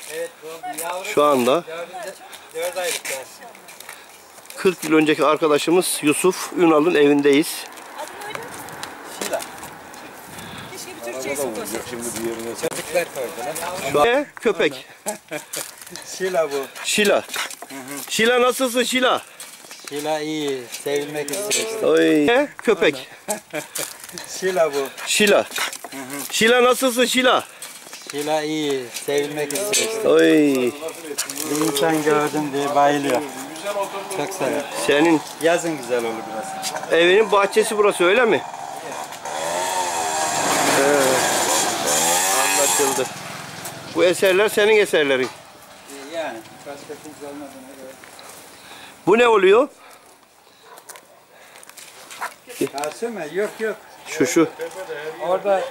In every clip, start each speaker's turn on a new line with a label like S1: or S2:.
S1: Evet, yavru.
S2: Şu anda
S1: 4 aylık yani.
S2: 40 yıl önceki arkadaşımız Yusuf Ünal'ın evindeyiz.
S1: Şila.
S3: Keşke bir Türkçeyi sokuyorsun.
S1: Şimdi bir yerine çocuklar koydular.
S2: Şu an köpek.
S1: Şila bu.
S2: Şila. Şila nasılsın Şila?
S1: Şila iyi, sevilmek istiyor.
S2: Oy. Köpek.
S1: Şila bu.
S2: Şila. Şila nasılsın Şila?
S1: Şila iyi, sevilmek istiyor.
S2: Oy.
S1: Bir insan gördüm diye bayılıyor. Çok sever.
S2: Senin
S1: Yazın güzel olur biraz.
S2: evinin bahçesi burası öyle mi? Anlaşıldı. Bu eserler senin eserlerin.
S1: Yani başka kimse olmadığına göre.
S2: Bu ne oluyor?
S1: Karşı mı? Yok yok.
S2: Şu.
S1: Orada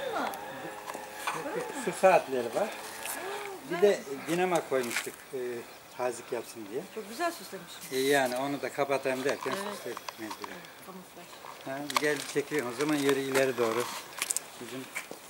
S1: su saatleri var. Bir de dinamo koymuştuk tazik yapsın diye.
S3: Çok güzel süslemiş.
S1: Yani onu da kapatayım derken süsledik mecburen. Gel çekiyorum o zaman yürü ileri doğru. Bizim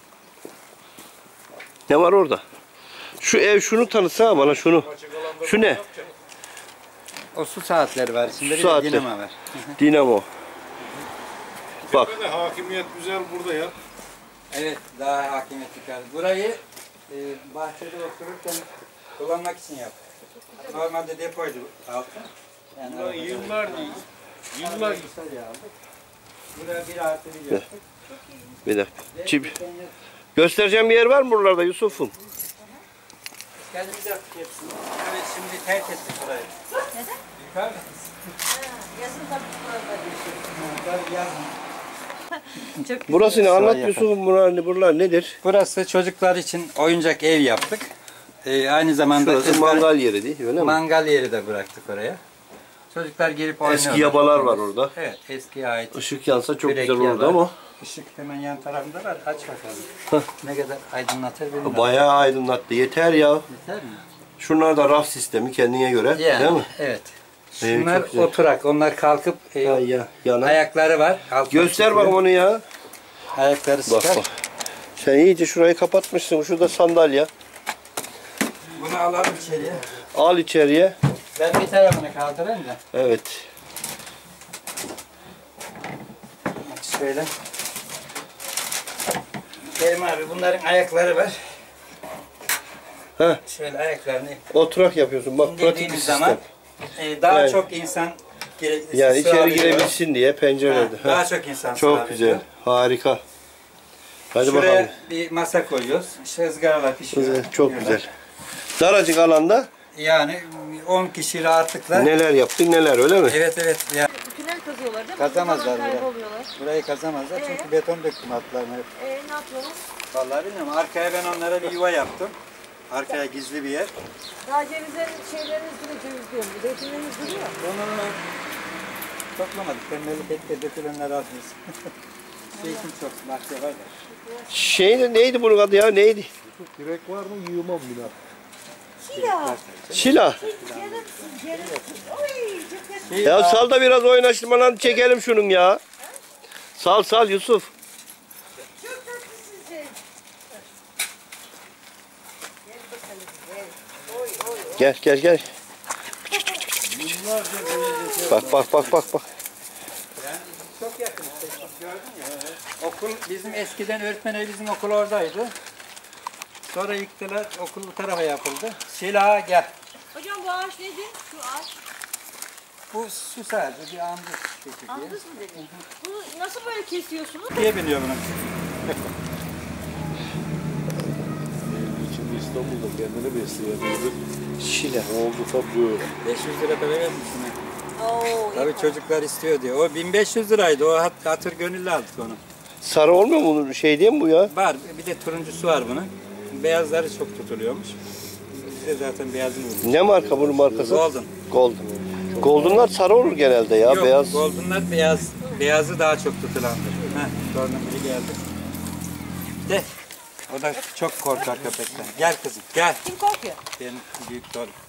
S2: Ne var orada? Şu ev şunu tanıtsana bana şunu. Şu ne?
S1: o su saatleri var. Şimdi bir
S2: Saatler.
S1: de dinamo var.
S2: Dinamo. Bak.
S4: Hakimiyet güzel burada ya.
S1: Evet daha hakimiyet çıkar. Burayı bahçede otururken kullanmak için yaptık. Normalde depoydu altı. Yani
S4: Yıllar değil.
S1: yıllar aldık. Buraya 1+1 yaptık.
S2: Bir dakika. Göstereceğim bir yer var mı buralarda Yusuf'um?
S1: Kendimiz yaptık hepsini. Evet şimdi terk ettik burayı.
S3: Neden?
S1: Yukarıda.
S3: Yazın tabii burada.
S1: Tabii yazın.
S2: Burası ne? Anlat
S1: Sonra
S2: Yusuf'um buralar nedir?
S1: Burası çocuklar için oyuncak ev yaptık. Aynı zamanda
S2: Burası mangal yeri değil öyle mi?
S1: mangal yeri de bıraktık oraya. Çocuklar gelip oynuyorlar.
S2: Eski yabalar var orada.
S1: Evet eskiye ait.
S2: Işık yansa çok
S1: Kürek
S2: güzel olurdu
S1: yabar.
S2: ama.
S1: Işık hemen yan tarafında var. Aç bakalım. Ne kadar aydınlatır bilmiyorum.
S2: Bayağı aydınlattı. Yeter ya.
S1: Yeter mi?
S2: Şunlar da raf sistemi kendine göre
S1: Yani,
S2: değil mi?
S1: evet.
S2: Evet,
S1: Şunlar
S2: çok güzel.
S1: oturak. Onlar kalkıp
S2: Yana.
S1: ayakları var. Altına
S2: Göster
S1: çıkıyor.
S2: bakalım onu ya.
S1: Ayakları
S2: Bak
S1: sıkar.
S2: bak. Sen iyice şurayı kapatmışsın. Şurada sandalye.
S1: Bunu alalım içeriye.
S2: Al içeriye.
S1: Ben bir tarafını kaldırayım da.
S2: Evet.
S1: Şöyle. Kerim abi bunların ayakları var.
S2: Heh.
S1: Şöyle ayaklarını
S2: Oturak yapıyorsun. Bak pratik bir
S1: indirdiğimiz
S2: sistem.
S1: zaman daha
S2: Yani-
S1: çok insan
S2: Yani içeri
S1: sığabiliyor.
S2: girebilsin diye pencerede.
S1: Ha, daha çok insan
S2: Çok
S1: sığabiliyor.
S2: güzel. Harika. Hadi
S1: Şuraya
S2: bakalım.
S1: bir masa koyuyoruz. İşte ızgaralar pişiyor.
S2: Güzel, çok
S1: Yiyorlar.
S2: güzel. Daracık alanda
S1: Yani 10 kişi rahatlıkla.
S2: neler yaptık neler öyle mi?
S1: Evet evet. Ya,
S3: Tünel kazıyorlar değil mi?
S1: Kazamazlar
S3: Oradan
S1: bile.
S3: kayboluyorlar.
S1: burayı kazamazlar çünkü beton döktüm altlarına.
S3: Ne yapıyorlar?
S1: Vallahi bilmiyorum. Arkaya ben onlara bir yuva yaptım. Arkaya gizli bir yer.
S3: Daha cevizlerin şeyleriniz duruyor, ceviz diyorum. Zeytinleriniz duruyor.
S1: Onunla toplamadık. Tembellik etti. Dökülenler atmış. Zeytin çok. Bahçe var da.
S2: Neydi bunun adı ya neydi?
S4: Direk var mı yığmam bile.
S3: Şila.
S2: Şila.
S3: Yarın. Oy, çok yakın.
S2: Ya sal da biraz oynaştırmalarını çekelim şunun ya. Sal Yusuf.
S3: Çok tatlısın sen. Gel bakalım, gel. Oy, oy, oy.
S2: Gel. Bak.
S1: Yani çok yakın. İşte, gördün ya. Okul bizim eskiden öğretmen evi bizim okul oradaydı. Sonra yıktılar. Okul bu tarafa yapıldı. Şila gel.
S3: Hocam bu ağaç neydi? Şu ağaç.
S1: Bu su sadece bir andız çekirdeği.
S3: Andız mı dedin? Bunu nasıl böyle kesiyorsunuz?
S1: Diye biliyor bunu.
S4: Şimdi İstanbul'da kendini besleyemiyordu.
S2: Şila.
S4: Oldu tabi böyle.
S1: 500 lira para vermişsin.
S3: Oo,
S1: Tabii çocuklar istiyor diye. O 1500 liraydı. O hatır gönüllü aldık onu.
S2: Sarı olmuyor mu bunun şey değil mi bu ya?
S1: Var. Bir de turuncusu var bunun. Beyazları çok tutuluyormuş. Bize zaten beyazını vurmuş.
S2: Ne marka bunun markası?
S1: Golden.
S2: Golden'lar sarı olur genelde ya
S1: Yok,
S2: beyaz.
S1: Golden'lar beyaz. Beyazı daha çok tutulandır. Sonra biri geldi. De. O da çok korkar köpekten. Gel kızım, gel.
S3: Kim korkuyor?
S1: Benim büyük torun.